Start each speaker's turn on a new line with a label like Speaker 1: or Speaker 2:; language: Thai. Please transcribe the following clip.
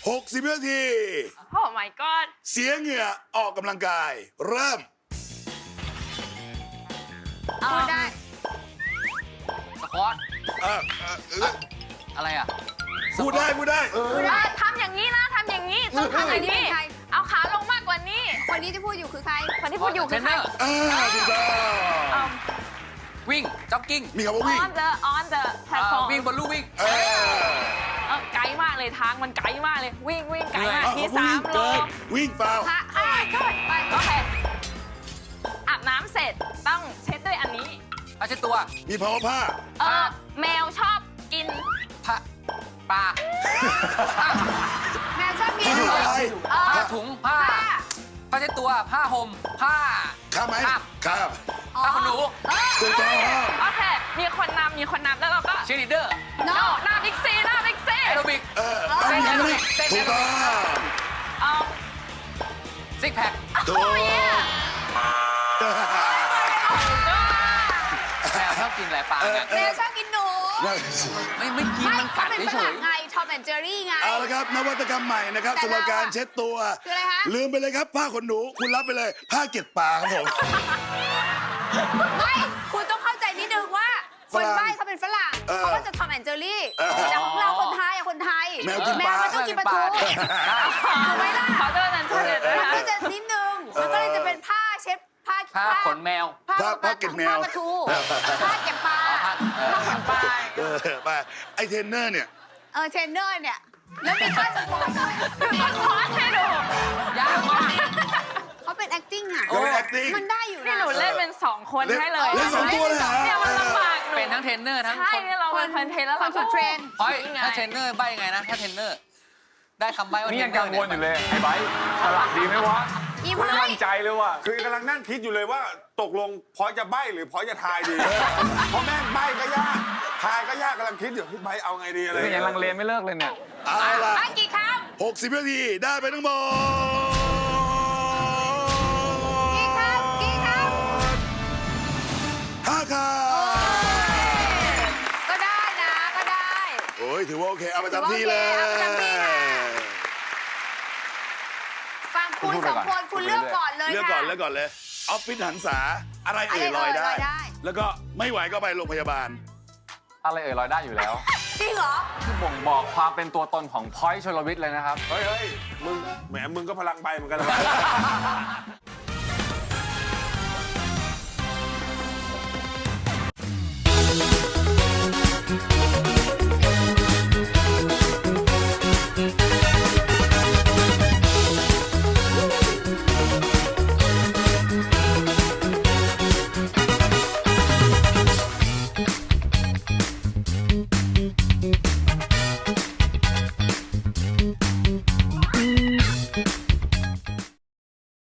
Speaker 1: 60วินาที
Speaker 2: โอ้ my god
Speaker 1: เสียเหงื่อออกกำลังกาย เริ่ม
Speaker 2: พูดได้
Speaker 3: สควอต
Speaker 1: เออ
Speaker 3: อะไรอ่ะ
Speaker 1: พูดได้
Speaker 2: พูดได้ทำอย่างนี้นะทำอย่างนี้ต้องทำอย่างนี้เอาขาลงมากกว่านี้
Speaker 4: คนนี้ที่พูดอยู่คือใคร
Speaker 2: คนที่พูดอยู่
Speaker 3: เท
Speaker 2: คื
Speaker 3: ร
Speaker 2: อน ใค
Speaker 3: เน
Speaker 2: ร
Speaker 3: อร์
Speaker 1: ถูกต้อง
Speaker 3: วิ่งจ็อกกิ้ง
Speaker 1: มีคำว่าวิ่ง
Speaker 2: on the platform
Speaker 3: วิ่งบนลู่วิ่ง
Speaker 2: ไกลมากเลยทางมันไกลมากเลยวิ่งไกลมาก
Speaker 1: เอา
Speaker 2: ที่
Speaker 1: เขาวิ่ง
Speaker 2: 3 โล
Speaker 1: เกินวิ่งเปล่า
Speaker 2: ไปโอเคอาบน้ำเสร็จต้องเช็ดด้วยอันนี้
Speaker 3: ผ้าเช็ดตัว
Speaker 1: มีภาวะผ้า
Speaker 2: แมวชอบกิน
Speaker 3: ผ้าปลา
Speaker 4: แมวชอบกิน
Speaker 1: ที่อะไร
Speaker 3: ผ้าถุงผ้าเช็ดตัวผ้าห่มผ้า
Speaker 1: ข้ามไหม
Speaker 3: ข้าม
Speaker 1: ข้าม
Speaker 3: ผ้าขนหนู
Speaker 1: ถูกต้อง
Speaker 2: โอเคมีคนนำแล้วเราก็
Speaker 3: เชียร์ลีดเดอร์
Speaker 2: หน้าบิ๊กซี
Speaker 3: แอโรบิก
Speaker 1: อันนี้ถูกต้อง
Speaker 3: ซิกแพค
Speaker 1: ถูก
Speaker 3: แมวชอบกินอะไรปลาไง
Speaker 4: แมวชอบกินหนู
Speaker 3: ไม่กินมันกั
Speaker 4: เขา
Speaker 3: ด
Speaker 4: เป็นฝ
Speaker 3: เฉ
Speaker 4: รั่
Speaker 3: ย
Speaker 4: งไงทอมแอนเจอรี่ไง
Speaker 1: เอาละครับนวัตกรรมใหม่นะครับ
Speaker 4: แต่
Speaker 1: สำหรับการ
Speaker 4: เราอะ
Speaker 1: เช็ดตัว
Speaker 4: คืออะไรคะ
Speaker 1: ลืมไปเลยครับผ้าขนหนูคุณรับไปเลย ผ้าเก็บปลาครับผม
Speaker 4: ไม่คุณต้องเข้าใจนิดนึงว่าคน
Speaker 1: ฝรั่ง
Speaker 4: ใบ้เขาเป็นฝรั่ง เขาก็จะทอมแอนเจอรี่ แต่ของเราคนไทยอะคนไทย
Speaker 1: แมวกินปลา
Speaker 4: มันต้องกินปลาทูถูกไหมล่ะ
Speaker 2: ขอโทษนันเฉลยด้วย
Speaker 4: มัน
Speaker 2: นะ
Speaker 4: ก็จะนิดนึง มันก็เลยจะเป็นผ้าเช็ดผ้า
Speaker 3: ผ้าขนแมว
Speaker 1: ผ้าเก็บแมว
Speaker 4: ผ้าปลาทูผ้าเก็บปลา
Speaker 2: ต้องเหมือนปลา
Speaker 1: ไปไอเทรนเนอร์เนี่ย
Speaker 4: เทรนเนอร์เนี่ย แล้วมีค่าสปอนเซอร์
Speaker 2: คือมันคอสให้ดู
Speaker 3: ยากมาก
Speaker 4: เขาเป็น acting อ่ะ
Speaker 1: ก็เป็น acting
Speaker 4: มันได้อยู่
Speaker 2: นี่
Speaker 4: นะ
Speaker 2: หนูเล่นเป็น2 คนให้เลย
Speaker 1: เล่นสองตัวเลยเหรอ
Speaker 2: เนี่ยมันลำบากหนู
Speaker 3: เป็นทั้งเทรนเนอร์ทั้ง
Speaker 2: ใช่
Speaker 3: คน
Speaker 2: เนี่ยเราเป็นเทรนแล้วเรา
Speaker 4: คนเทรน
Speaker 3: เฮ้ยถ้าเทรนเนอร์ใบยังไงนะถ้าเทรนเนอร์ ได้คำใบว่า
Speaker 5: นี่
Speaker 3: เทร
Speaker 5: ยัง
Speaker 3: นเนอ
Speaker 5: กัง
Speaker 3: ร์
Speaker 5: วลอยู่เลย ไอ้ไบร์ทสลักดีไหมวะ
Speaker 4: อี
Speaker 5: ไม่
Speaker 4: ไพ่
Speaker 5: มั่นใจเลยว่ะ
Speaker 6: คือกำลังนั่งคิดอยู่เลยว่าตกลงพอจะใบ้หรือพอจะทายดี เพราะแม่งใบ้ก็ยากทายก็ยากกำลังคิดอยู่พี่ใบ้เอาไงดีอะไร
Speaker 5: นี่ยังลังเลไม่เลิกเลยเนี่ย
Speaker 1: เอาล่ะ
Speaker 4: ไอ้กี่ค
Speaker 1: 60วินาทีได้ไปทั้งหมด
Speaker 4: ำกี่คำกี่ค
Speaker 1: 5คำ
Speaker 4: ำก็ได้นะก็ได้
Speaker 1: โอ้ยถือว่าโอเค เอาประจำที่เลย
Speaker 4: เอาประจำที่ค่ะ ฟังคุณสองคนคุณเลือกก่อนเลย
Speaker 1: เลือก
Speaker 4: ค่ะ
Speaker 1: ก่อนเลือกก่อนเลยออฟฟิศหันษาอะไรเอ่ย
Speaker 4: อะไร
Speaker 1: ลอย
Speaker 4: เอ่ย
Speaker 1: ได้
Speaker 4: ลอยได้
Speaker 1: แล้วก็ไม่ไหวก็ไปโรงพยาบาล
Speaker 5: อะไรลอยได้อยู่แล้ว
Speaker 4: จริงเหรอ
Speaker 5: ที่บ่งบอกความเป็นตัวตนของพอยต์ชลวิทย์เลยนะครับ
Speaker 6: เฮ้ยมึงแหมมึงก็พลังใบเหมือนกันเลย